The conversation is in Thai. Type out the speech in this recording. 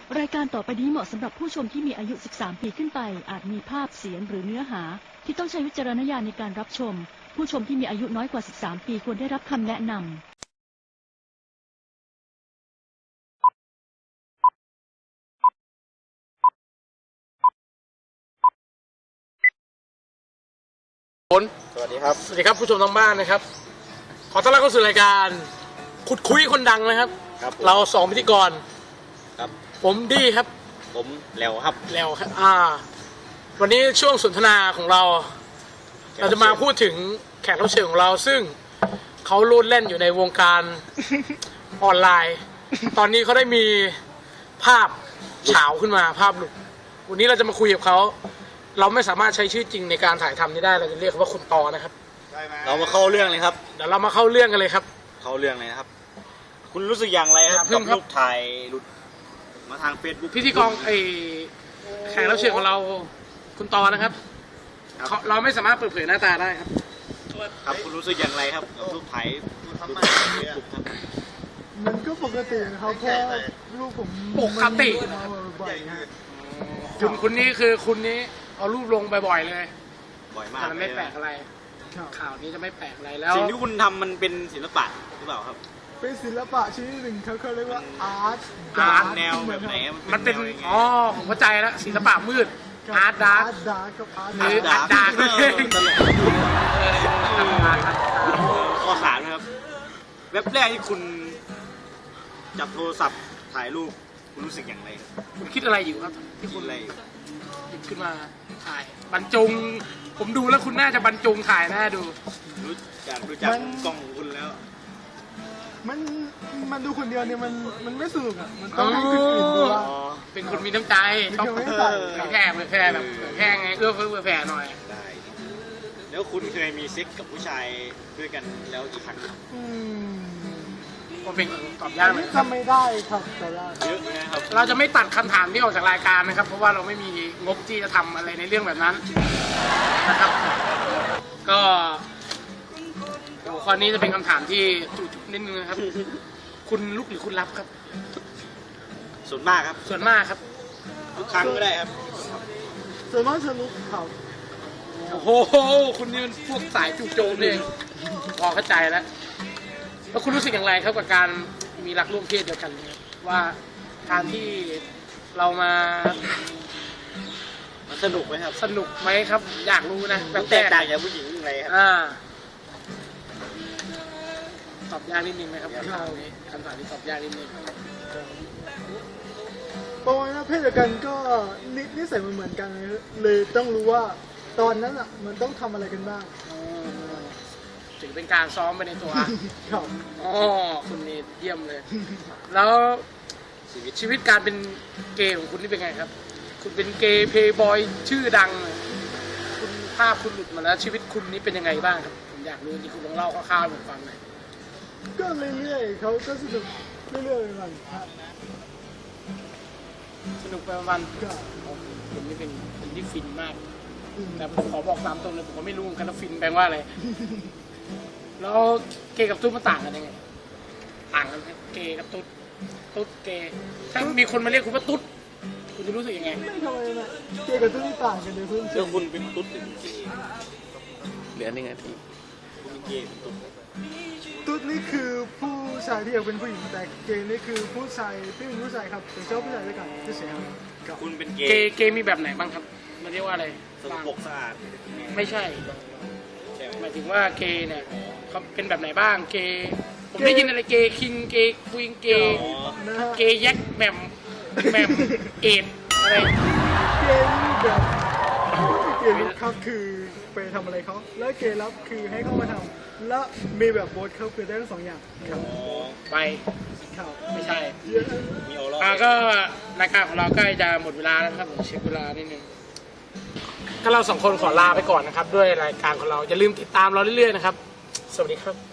รายการต่อไปนี้เหมาะสำหรับผู้ชมที่มีอายุ 13 ปีขึ้นไปอาจมีภาพเสียงหรือเนื้อหาที่ต้องใช้วิจารณญาณในการรับชมผู้ชมที่มีอายุน้อยกว่า 13 ปีควรได้รับคำแนะนำสวัสดีครับสวัสดีครับผู้ชมทางบ้านนะครับ ขอต้อนรับเข้าสู่รายการขุดคุยคนดังนะครับครับเราสองพิธีกรครับผมดี้ครับผมแหลวครับแล้วครับวันนี้ช่วงสนทนาของเรา เราจะมาพูดถึงแขกรับเชิญของเรา ซึ่งเขาโลดเล่นอยู่ในวงการออนไลน์ ตอนนี้เขาได้มีภาพเฉาขึ้นมาภาพหลุดวันนี้เราจะมาคุยกับเขาเราไม่สามารถใช้ชื่อจริงในการถ่ายทำนี้ได้เราจะเรียกเขาว่าคุณตอนะครับเรามาเข้าเรื่องเลยครับเดี๋ยวเรามาเข้าเรื่องกันเลยครับเข้าเรื่องเลยนะครับ คุณรู้สึกอย่างไรครับอย่าเพิ่กับงครับรูปถ่ายหลุดมาทางเฟซบุ๊กพิธีกรแขกรับเชิญของเราคุณตอนะครับ เราไม่สามารถเปิดเผยหน้าตาได้ครับครับคุณรู้สึกอย่างไรครับกับรูปถ่ายหลุดครับมันก็ปกตินะครับเพราะลูกผมปกติมาบ่อยๆฮะคุณนี่คือคุณนี้เอารูปลงบ่อยๆเลยบ่อยมากแต่มันไม่แปลกอะไรครับข่าวนี้จะไม่แปลกอะไรแล้วสิ่งที่คุณทำมันเป็นศิลปะหรือเปล่าครับเป็นศิลปะชนิดหนึ่งเขาเรียกว่าอาร์ตแนวแบบไหนครับมันเป็นแวยังไงอ๋อผมเข้าใจแล้วศิลปะมืดอาร์ตดาร์กดาร์กกับอาร์ตหรือดาร์กดาร์กตลกข้อสามนะครับเว็บแรกที่คุณจับโทรศัพท์ถ่ายรูปคุณรู้สึกอย่างไรครับคุณคิดอะไรอยู่ครับที่คุคุณ ณอะไรหยิบขึ้นมาถ่ายบรรจง ผมดูแล้วคุณน่าจะบรรจงถ่ายน่าดูรู้จักกล้องของคุณแล้วมันดูคนเดียวเนี่ยมันไม่สนุกอ่ะมันต้องให้คนอื่นดูว่าเป็นคนมีน้ำใจชอบไม่เผใส่ยแพร่แบบเผยแพร่ไงเอื้อเฟื้อเผื่อแผ่หน่อยได้ แล้วคุณเคยมีเซ็กกับผู้ชายด้วยกันแล้วกี่ครั้งครับอืมก็เป็นตอบยากเลยทำไม่ได้ครับแต่ว่าเยอะนะครับเราจะไม่ตัดคำถามที่ออกจากรายการนะครับ เพราะว่าเราไม่มีงบที่จะทำอะไรในเรื่องแบบนั้นนะครับ ก็หัวข้อนี้จะเป็นคำถามที่จุกๆนิดนึงนะครับ คุณลุกหรือคุณรับครับส่วนมากครับส่วนมากครับทุกครั้งก็ได้ครับส่วนมากจะลุกครับโอ้โหคุณนี่มันพวกสายจู่โจมเลยพอเข้าใจแล้วแล้วคุณรู้สึกอย่างไรครับกับการมีรักร่วมเพศเดียวกันเนี่ยว่าการที่เรามามันสนุกไหมครับสนุกไหมครับ อยากรู้นะแบบแตกต่างจากผู้หญิงยังไงครับตอบยากนิดนึงนะครับคำถามนี้ตอบยากนิดนึงประมาณว่าเพศเดียวกันก็นิสัยเหมือนกันเลยต้องรู้ว่าตอนนั้นอ่ะมันต้องทำอะไรกันบ้างถือเป็นการซ้อมไปในตัวครับอ๋อคุณนี่เยี่ยมเลย แล้วชีวิตการเป็นเกย์ของคุณนี่เป็นไงครับ คุณเป็นเกย์เพย์บอยชื่อดังเลยคุณภาพคุณหลุดมาแล้วชีวิตคุณนี่เป็นยังไงบ้างครับผมอยากรู้จริงๆคุณลองเล่าคร่าวๆให้ผมฟังหน่อยก็เรื่อยๆเขาก็สนุกเรื่อยๆมันครับสนุกไปวันก็ๆผมนี่เป็นคนที่ฟินมากอืมแต่ผมขอบอกตามตรงเลยผมก็ไม่รู้เหมือนกันว่าฟินแปลว่าอะไร แล้วเกย์กับตุ๊ดมันต่างกันยังไง ต่างกันไหมเกย์กับตุ๊ดเกย์ถ้ามีคนมาเรียกคุณว่าตุ๊ดคุณจะรู้สึกยังไงไม่ทำอะไรนะเกย์กับตุ๊ดนี่ต่างกันในพื้นเรื่องคุณเป็นตุ๊ดหรือเป็นเกย์เหลือ1 นาทีคุณเป็นเกย์เป็นตุ๊ดตุ๊ดนี่คือผู้ชายที่อยากเป็นผู้หญิงแต่เกย์นี่คือผู้ชายที่เป็นผู้ชายครับแต่ชอบผู้ชายด้วยกันที่เฉยครับคุณเป็นเกเกย์มีแบบไหนบ้างครับ มันเรียกว่าอะไรสกปรกสะอาดไม่ใช่ใช่ไหมหมายถึงว่าเกย์เนี่ยเขาเป็นแบบไหนบ้าง เกย์ ผมได้ยินอะไรเกย์คิง เกย์ควีน เกย์อ๋อนะฮะเกย์แยกแหม่มเอ็ดอะไรเกย์นี่แบบเกย์รับครับคือไปทำอะไรเขาแล้วเกย์รับคือให้เขามาทำแล้วมีแบบโบสครับคือได้ทั้งสองอย่างครับอ๋อไปครับไม่ใช่เยอะมีโอรอก็รายการของเราใกล้จะหมดเวลาแล้วนะครับผมเช็คเวลานิดนึงก็เราสองคนขอลาไปก่อนนะครับ ด้วยรายการของเราอย่าลืมติดตามเราเรื่อยๆนะครับ สวัสดีครับ